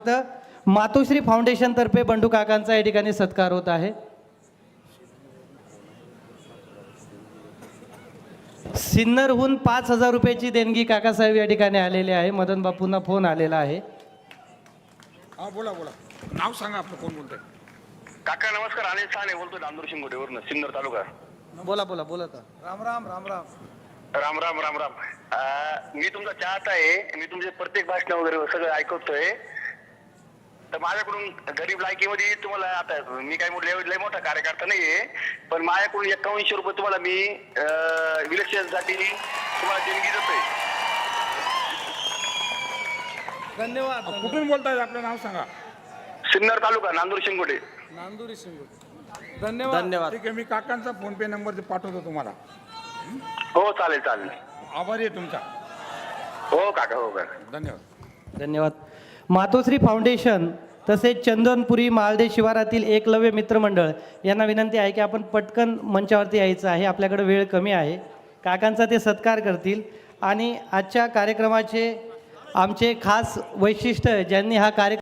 तर मातोश्री फाउंडेशन तर्फे बंडू काकांचा या ठिकाणी सत्कार होत आहे। सिन्नरहून 5,000 रुपयाची देणगी काकासाहेब या ठिकाणी आलेले आहे। मदन बापूंना फोन आलेला आहे। हा बोला बोला, नाव सांगा आपलं, कोण बोलतंय? काका नमस्कार, अनिल साने बोलतो नांदूर शिंगोटेवरून, सिन्नर तालुका। बोला बोला बोला का। राम राम राम राम राम राम राम राम। मी तुमचा चाहता आहे, मी तुमचे प्रत्येक भाषण वगैरे सगळं ऐकतोय। तर माझ्याकडून गरीब लायकीमध्ये तुम्हाला, आता मी काय लय मोठा कार्यकर्ता नाहीये, पण माझ्याकडून 5100 रुपये तुम्हाला मी इलेक्शनसाठी तुम्हाला देणगी देतोय। धन्यवाद। कुठून बोलताय? आपलं नाव सांगा। सिन्नर तालुका, नांदूर शिंगोटे। नांदुरी शिंगोटे। धन्यवाद धन्यवाद। ठीक आहे, मी काकांचा फोन पे नंबर पाठवतो तुम्हाला। हो चालेल चालेल, आभारी आहे तुमचा। हो काका, हो काका, धन्यवाद धन्यवाद। मातोश्री फाउंडेशन तसेच चंदनपुरी मालदे शिवारातील एकलव्य मित्रमंडळ यांना विनंती आहे की आपण पटकन मंचावरती यायचं आहे, आपल्याकडे वेळ कमी आहे। काकांचा ते सत्कार करतील आणि आजच्या कार्यक्रमाचे आमचे खास वैशिष्ट्य, ज्यांनी हा कार्यक्रम